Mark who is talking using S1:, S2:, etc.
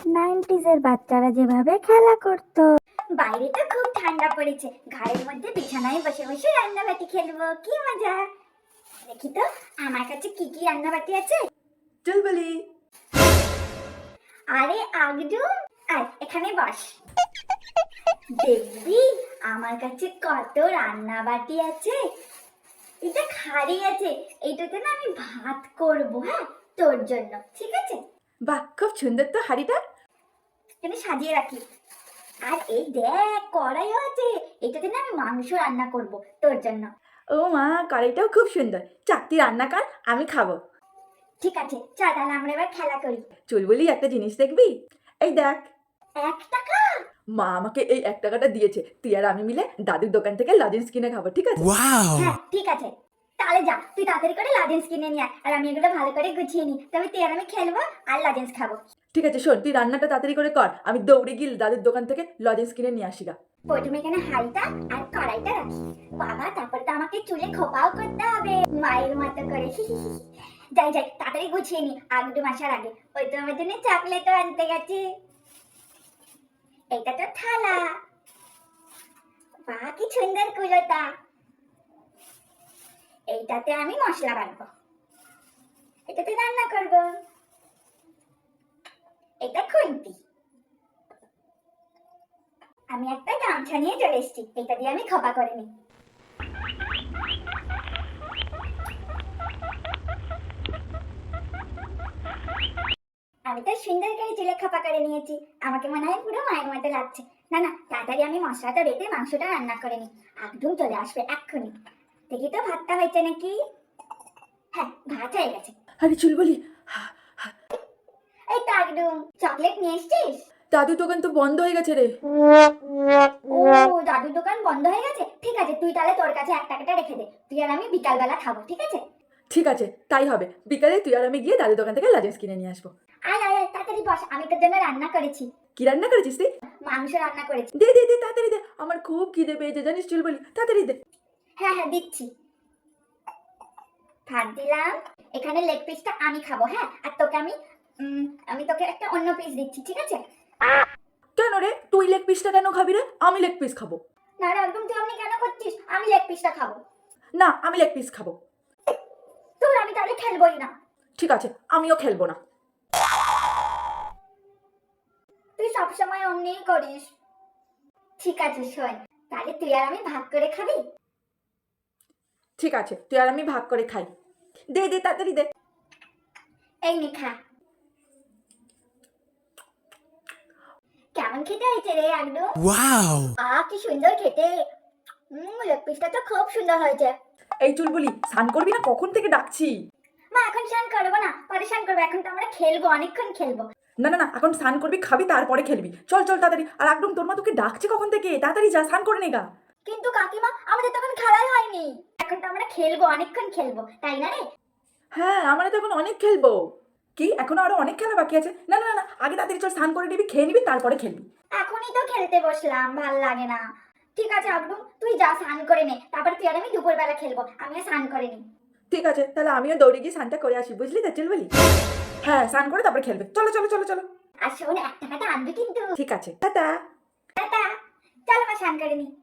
S1: নাইনটিজের বাচ্চারা যেভাবে খেলা করতো। বাইরে তো খুব ঠান্ডা পড়েছে, ঘরের মধ্যে বিছানায় বসে বসে রান্নাবাটি খেলবো, কি মজা। দেখি তো আমার কাছে কি কি রান্নাবাটি আছে।
S2: চুলবুলি,
S1: আরে আগডু, আয় এখানে বস। দেখবি আমার কাছে কত রান্নাবাটি আছে। এটা খাড়ি আছে, এইটাতে না আমি ভাত করব, হ্যাঁ তোর জন্য, ঠিক আছে?
S2: বাহ খুব সুন্দর তো হাড়িটা।
S1: এখানে সাজিয়ে রাখি। আর এই দেখ কড়াইও আছে, এটাতে না আমি মাংস রান্না করব তোর জন্য।
S2: ও মা, কড়াইটাও খুব সুন্দর। চাকতি রান্না কর, আমি খাবো।
S1: ঠিক আছে চল তাহলে আমরা এবার খেলা করি।
S2: চুলবুলি, একটা জিনিস দেখবি? এই দেখ,
S1: 1 টাকা?
S2: মা আমাকে এই 1 টাকাটা দিয়েছে। তুই আর আমি মিলে দাদুর দোকান থেকে লজেন্স কিনে খাবো, ঠিক আছে?
S1: হ্যাঁ ঠিক আছে, তাহলে যা তুই তাড়াতাড়ি করে লাজেন্স কিনে নিয়ে আয়, আর আমি এগুলো ভালো করে গুছিয়ে নিই, তবে তুই আর আমি খেলবো আর লাজেন্স খাবো।
S2: ঠিক আছে শোন, তুই রান্নাটা তাড়াতাড়ি করে কর, আমি দৌড়ে গিয়ে দাদুর দোকান থেকে লজেন্স কিনে নিয়ে আসি গা।
S1: প্রথমে এখানে হাঁড়িটা আর কড়াইটা রাখি। বাবা তারপরে তো আমাকে চুলে খোপাও করতে হবে মায়ের মতো করে। যাই যাই তাড়াতাড়ি গুছিয়ে নি, আগডু আসার আগে। ওই তো আমার জন্য চকলেটও আনতে গেছে। এটা তো থালা, বাহ কি সুন্দর কুলোটা। এইটাতে আমি মশলা বাটবো, এটাতে রান্না করব। এটা খুন্তি। আমি একটা গামছা নিয়ে চলে এসেছি, এটা দিয়ে আমি খোপা করে নিই। আমি তো সুন্দর করে চুলে খোপা করে নিয়েছি, আমাকে মনে হয় পুরো মায়ের মতো লাগছে। না না, তাড়াতাড়ি আমি মশলাটা বেটে মাংসটা রান্না করে নিই, একদম চলে আসবে এক্ষুনি। দেখি তো ভাতটা হয়েছে নাকি। হ্যাঁ ভাত হয়ে গেছে।
S2: আরে চুলবুলি,
S1: এই তো একদম চকলেট নিয়ে এসছিস?
S2: দাদুর দোকান তো বন্ধ হয়ে গেছে রে।
S1: ও দাদুর দোকান বন্ধ হয়ে গেছে, ঠিক আছে তুই তাহলে তোর কাছে 1 টাকাটা রেখে দে, তুই আর আমি বিকালবেলা খাবো, ঠিক আছে?
S2: ঠিক আছে তাই হবে, বিকালে তুই আর আমি গিয়ে দাদুর দোকান থেকে লজেন্স কিনে নিয়ে আসবো।
S1: আয় আয় আয়, তাড়াতাড়ি বস, আমি তোর জন্য রান্না করেছি।
S2: কি রান্না করেছিস তুই?
S1: মাংস রান্না করেছি।
S2: দে দে দে, তাড়াতাড়ি দে, আমার খুব খিদে পেয়েছে জানিস চুলবুলি, তাড়াতাড়ি দে।
S1: হ্যাঁ হ্যাঁ দিচ্ছি। ভাত দিলাম, এখানে লেগ পিসটা আমি খাবো, হ্যাঁ, আর তোকে আমি তোকে একটা অন্য পিস দিচ্ছি, ঠিক আছে?
S2: কেন রে, তুই লেগ পিসটা কেন খাবি রে? আমি লেগ পিস খাবো।
S1: না রে একদম, তুই আপনি কেন করছিস? আমি লেগ পিসটা খাবো।
S2: না, আমি লেগ পিস খাবো।
S1: তোর আমি তাহলে খেলবোই না।
S2: ঠিক আছে, আমিও খেলবো না।
S1: তুই সবসময় অমনিই করিস। ঠিক আছে শোন, তাহলে তুই আর আমি ভাগ করে খাবি।
S2: ঠিক আছে, তুই আর আমি ভাগ করে খাই। দে দে, তাড়াতাড়ি দে।
S1: এই নে খা। কেমন খেতে হয়েছে রে একদম? কি সুন্দর খেতে। লেগ পিসটা তো খুব সুন্দর হয়েছে।
S2: এই চুলবুলি, স্নান করবি না? কখন থেকে ডাকছি।
S1: মা এখন স্নান করবো না, পরে স্নান করবো, এখন তো আমরা খেলবো, অনেকক্ষণ খেলবো।
S2: না না না, এখন স্নান করবি, খাবি, তারপরে খেলবি। চল চল তাড়াতাড়ি। আর একদম তোর মা তোকে ডাকছে কখন থেকে, তাড়াতাড়ি যা, স্নান করে নে গা।
S1: কিন্তু কাকিমা আমাদের তখন খেলাই হয়নি, এখন তো আমরা খেলবো, অনেকক্ষণ খেলবো, তাই না রে?
S2: হ্যাঁ, আমরা তো এখন অনেক খেলবো। কি, এখনো আরো অনেক খেলা বাকি আছে? না না না না, আগে তাড়াতাড়ি চল, স্নান করে নিবি, খেয়ে নিবি, তারপরে খেলবি।
S1: এখনই তো খেলতে বসলাম, ভাল লাগে না। ঠিক আছে আবলু, তুই যা স্নান করে নে, তারপরে তুই আর আমি দুপুরবেলা খেলবো, আমিও স্নান করে নি।
S2: ঠিক আছে, তাহলে আমিও দৌড়ে গিয়ে স্নানটা করে আসি, বুঝলি তো চুলবুলি? হ্যাঁ, স্নান করে তারপরে খেলবে। চলো চলো চলো চলো।
S1: আর শোন, 1 টাকাটা আনবি কিন্তু।
S2: ঠিক আছে, টাটা।
S1: টাটা। চল আমার স্নান করে নি।